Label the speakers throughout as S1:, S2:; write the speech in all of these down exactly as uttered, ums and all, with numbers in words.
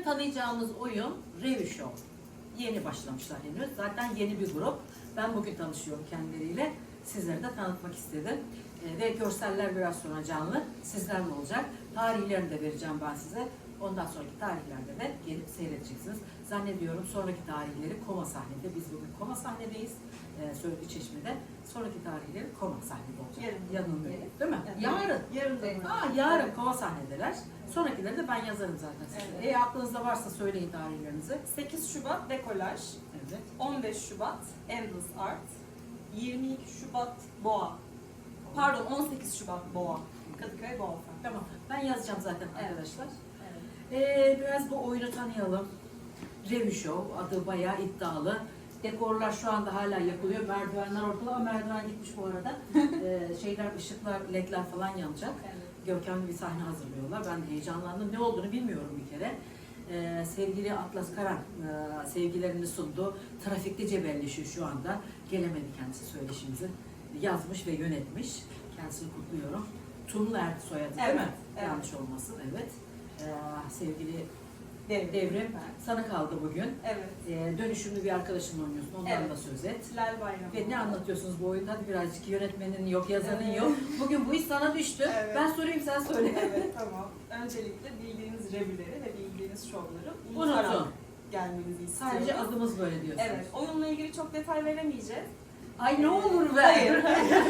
S1: tanıyacağımız oyun Revue Show. Yeni başlamışlar henüz. Zaten yeni bir grup. Ben bugün tanışıyorum kendileriyle. Sizlere de tanıtmak istedim. Ee, ve görseller biraz sonra canlı. Sizlerle olacak. Tarihlerini de vereceğim ben size. Ondan sonraki tarihlerde de gelip seyredeceksiniz. Zannediyorum sonraki tarihleri Koma sahnede. Biz bugün Koma sahnedeyiz. Ee, Söğütlü Çeşme'de. Sonraki tarihleri Koma sahnede olacak.
S2: Yarın.
S1: Yanılmıyorum. Değil mi?
S2: Evet.
S1: Yarın.
S2: Yarın.
S1: Aa, yarın Koma sahnedeler. Sonrakileri de ben yazarım zaten size.
S2: Evet.
S1: E, aklınızda varsa söyleyin tarihlerinizi.
S2: sekiz Şubat Dekolaj,
S1: Evet.
S2: on beş Şubat Endless Art, yirmi iki Şubat Boğa. Pardon, on sekiz Şubat Boğa. Kadıköy Boğa.
S1: Tamam. Ben yazacağım zaten
S2: Evet.
S1: arkadaşlar.
S2: Evet.
S1: Ee, biraz bu oyunu tanıyalım. Revue Show adı bayağı iddialı. Dekorlar şu anda hala yapılıyor. Merdivenler ortada ama merdiven gitmiş bu arada. ee, şeyler, ışıklar, ledler falan yanacak.
S2: Evet.
S1: Görkemli bir sahne hazırlıyorlar. Ben de heyecanlandım. Ne olduğunu bilmiyorum bir kere. Ee, sevgili Atlas Karan e, sevgilerini sundu. Trafikte cebelleşiyor şu anda. Gelemedi kendisi söyleşimizi. Yazmış ve yönetmiş. Kendisini kutluyorum. Tunlu Erdi soyadı değil
S2: Evet,
S1: mi?
S2: evet.
S1: Yanlış olmasın. Evet. Ee, sevgili
S2: Devrim.
S1: Devrim, sana kaldı bugün.
S2: Evet.
S1: Ee, dönüşümlü bir arkadaşınla oynuyorsun. Ondan
S2: Evet.
S1: da söz et.
S2: Lal Bayramı.
S1: Ve ne anlatıyorsunuz bu oyunda? Hadi birazcık yönetmenin yok, yazarın
S2: Evet.
S1: yok. Bugün bu iş sana düştü.
S2: Evet.
S1: Ben sorayım, sen söyle.
S2: Evet, tamam. Öncelikle bildiğiniz revüleri ve bildiğiniz şovları
S1: Unutun.
S2: unutarak gelmenizi istiyorum.
S1: Sadece adımız böyle diyorsunuz.
S2: Evet, oyunla ilgili çok detay veremeyeceğiz.
S1: Ay ne olur be.
S2: Hayır.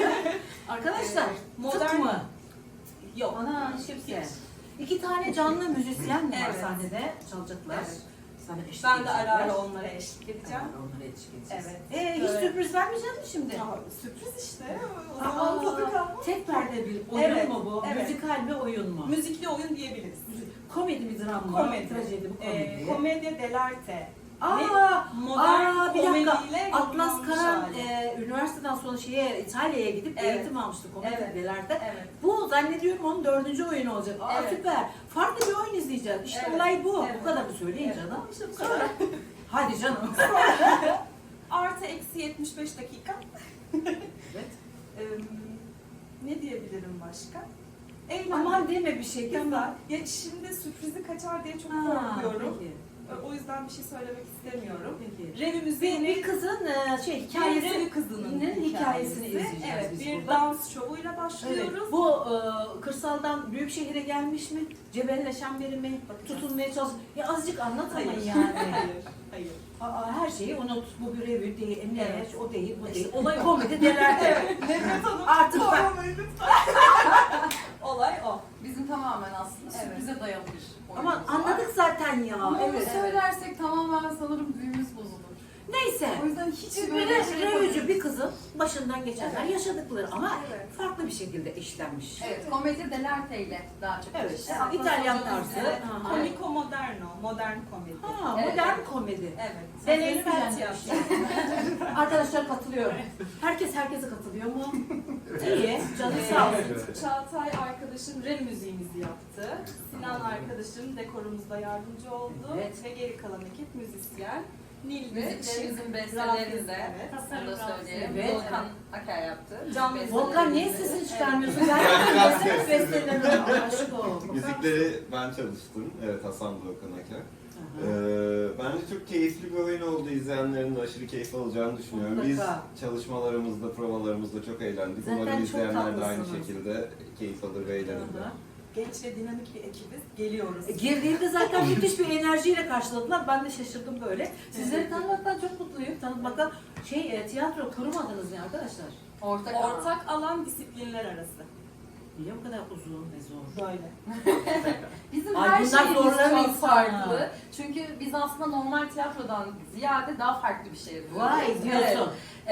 S1: Arkadaşlar,
S2: Evet.
S1: modern
S2: Modern-
S1: mı?
S2: Yok.
S1: Ana hiç kimse. İki tane canlı müzisyen mi var
S2: Evet.
S1: sahnede çalacaklar?
S2: Evet.
S1: Sana eşlik
S2: Ben de ara
S1: edecekler.
S2: ara onlara eşlik edeceğim.
S1: Evet, onlara eşlik edeceğiz.
S2: Evet.
S1: Ee, hiç
S2: Evet.
S1: sürpriz vermeyecek mi şimdi?
S2: Ya, sürpriz işte. O
S1: Aa,
S2: zaman tadı kalmaz.
S1: tek perde bir oyun
S2: Evet,
S1: mu bu?
S2: evet.
S1: Müzikal mi, oyun mu?
S2: Müzikli oyun diyebiliriz.
S1: Komedi mi, dram mı?
S2: Komedi.
S1: Trajedi bu komedi.
S2: Ee, komedya dell'arte.
S1: Aa,
S2: Modern
S1: aa, bir dakika.
S2: komediyle
S1: Atlas
S2: yorumlanmış
S1: Karan
S2: hali.
S1: e, üniversiteden sonra şeye İtalya'ya gidip
S2: Evet.
S1: eğitim almıştı komedi
S2: Evet.
S1: dell'arte.
S2: Evet.
S1: Bu zannediyorum onun dördüncü oyunu olacak. Aa
S2: Evet.
S1: süper. Farklı bir oyun izleyeceğiz. İşte
S2: Evet.
S1: olay bu.
S2: Evet.
S1: Bu kadar mı söyleyin
S2: Evet.
S1: canım?
S2: İşte bu kadar.
S1: Hadi canım.
S2: Artı eksi yetmiş beş dakika.
S1: Evet.
S2: Ee, ne diyebilirim başka? Eğlenceli.
S1: Aman deme bir şey.
S2: Güzel.
S1: Tamam.
S2: Ya şimdi sürprizi kaçar diye çok
S1: Ha,
S2: korkuyorum.
S1: peki.
S2: O yüzden bir şey söylemek istemiyorum.
S1: Peki.
S2: Revi
S1: Bir,
S2: müziğini
S1: bir kızın e, şey hikayesi.
S2: Revi kızının
S1: hikayesini
S2: hikayesi.
S1: izleyeceğiz
S2: Evet,
S1: biz
S2: bir
S1: burada.
S2: dans şovuyla
S1: Evet.
S2: başlıyoruz.
S1: Bu e, kırsaldan büyük şehire gelmiş mi? Cebelleşen biri mi?
S2: Bakacağız.
S1: Tutunmaya çalış. Ya azıcık anlat ama
S2: Hayır.
S1: yani.
S2: Hayır. Hayır.
S1: Aa, her şeyi unut. Bu bir revü değil, ne,
S2: Evet.
S1: o değil, bu
S2: İşte
S1: değil. Olay komedi delerde.
S2: Evet. Nefret Hanım.
S1: Artık ben-
S2: Sormayın lütfen. Olay o.
S3: Bizim tamamen aslında
S2: Evet.
S3: sürprize dayalı bir
S1: Ama
S3: oyunumuz var.
S1: anladık zaten ya.
S3: Ama onu
S1: Evet.
S3: söylersek tamamen sanırım büyümüz bozulur.
S1: Neyse.
S3: O yüzden hiç
S1: Biz
S3: böyle
S1: böyle
S3: şey
S1: revücü
S3: yapamıyoruz.
S1: bir kızın başından geçenler
S3: Evet.
S1: yaşadıkları ama
S2: Evet.
S1: farklı bir şekilde işlenmiş.
S3: Evet, komedi dell'arte ile daha çok
S1: Evet.
S3: işte.
S1: Evet. İtalyan
S3: Hocamız
S1: tarzı.
S3: evet.
S1: Aha.
S2: Komiko moderno. Modern komedi.
S1: Ha,
S3: Evet.
S1: modern komedi.
S2: Evet.
S1: Sen
S2: Deneysel
S1: beğenmeyeceksin
S2: tiyatro.
S1: Arkadaşlar katılıyor. Herkes herkese katılıyor mu? İyi. Canı sağ olsun.
S2: Ee, Çağatay arkadaşım Rev müziğimizi yaptı. Sinan arkadaşım dekorumuzda yardımcı oldu.
S1: Evet.
S2: Ve geri kalan ekip müzisyen. Nil ve
S3: Müziklerimizin
S2: Rafiz,
S3: bestelerini de
S2: evet.
S3: onu da söyleyelim.
S1: Evet.
S3: Volkan Akay yaptı.
S2: Can
S3: Müzik
S1: Volkan niye
S3: bestelerimizi.
S1: sesini çıkarmıyorsun? Ben de sesini bestelerim. Aşık ol.
S4: Müzikleri ben çalıştım. Evet, Hasan Volkan Aker. Ee, bence çok keyifli bir oyun oldu. İzleyenlerin de aşırı keyif alacağını düşünüyorum.
S1: Mutlaka.
S4: Biz çalışmalarımızda, provalarımızda çok eğlendik.
S1: Zaten
S4: Umarım
S1: çok
S4: izleyenler de aynı
S1: tatlısınız.
S4: şekilde keyif alır ve eğlenirler.
S1: Aha.
S2: Genç ve dinamik bir ekibiz. Geliyoruz.
S1: E, Girdiğimde zaten müthiş bir enerjiyle karşıladılar. Ben de şaşırdım böyle. Sizleri tanımaktan çok mutluyum. Tanımaktan şey e, tiyatro kurmadınız ne arkadaşlar?
S3: Ortak,
S2: Ortak alan disiplinler arası.
S1: Niye bu kadar uzun ve zor?
S2: Böyle.
S3: Bizim
S1: Ay,
S3: her
S1: bunlar
S3: şeyimiz
S1: zorlar
S3: çok
S1: insan.
S3: farklı. Çünkü biz aslında normal tiyatrodan ziyade daha farklı bir şey yapıyoruz.
S1: Vay diyorsun.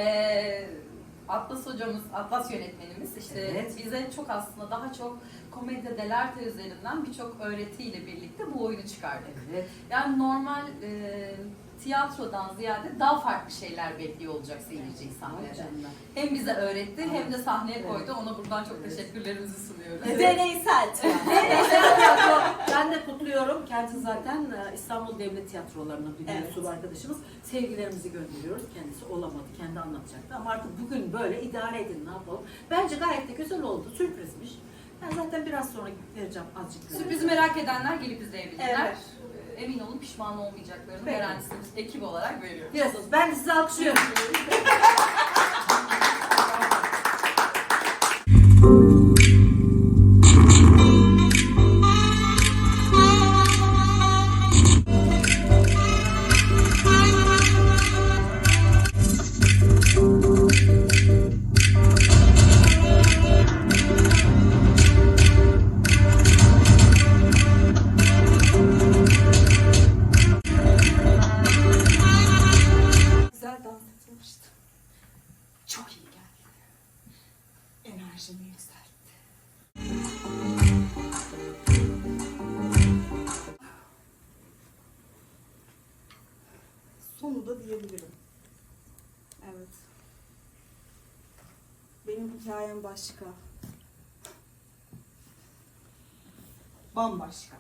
S3: Ee, Atlas hocamız, Atlas yönetmenimiz işte
S1: Evet.
S3: bize çok aslında daha çok komedya dell'arte üzerinden birçok öğretiyle birlikte bu oyunu çıkardı.
S1: Evet.
S3: Yani normal e, tiyatrodan ziyade daha farklı şeyler bekliyor olacak seyirci
S1: Vay
S3: sahnede.
S1: canına.
S3: Hem bize öğretti hem de sahneye
S1: Evet.
S3: koydu. Ona buradan çok
S1: Evet.
S3: teşekkürlerimizi sunuyoruz.
S1: Evet.
S2: Deneysel tiyatro.
S1: Deneysel tiyatro. Ben de kutluyorum. Kendisi zaten e, İstanbul Devlet Tiyatroları'nın bir
S2: Evet.
S1: mensubu arkadaşımız. Sevgilerimizi gönderiyoruz. Kendisi olamadı. Kendi anlatacaktı. Ama artık bugün böyle idare edin ne yapalım. Bence gayet de güzel oldu. Sürprizmiş. Ben zaten biraz sonra vereceğim azıcık.
S3: Sürprizi merak edenler gelip izleyebilirler.
S2: Evet.
S3: emin olun pişman olmayacaklarını
S1: Peki.
S3: garantisini biz ekip olarak veriyoruz.
S1: Biraz ben de sizi alkışlıyorum.
S2: Güzel dans etmiştim. Çok iyi geldi. Enerjimi yükseltti. Sonu da diyebilirim. Evet. Benim hikayem başka. Bambaşka.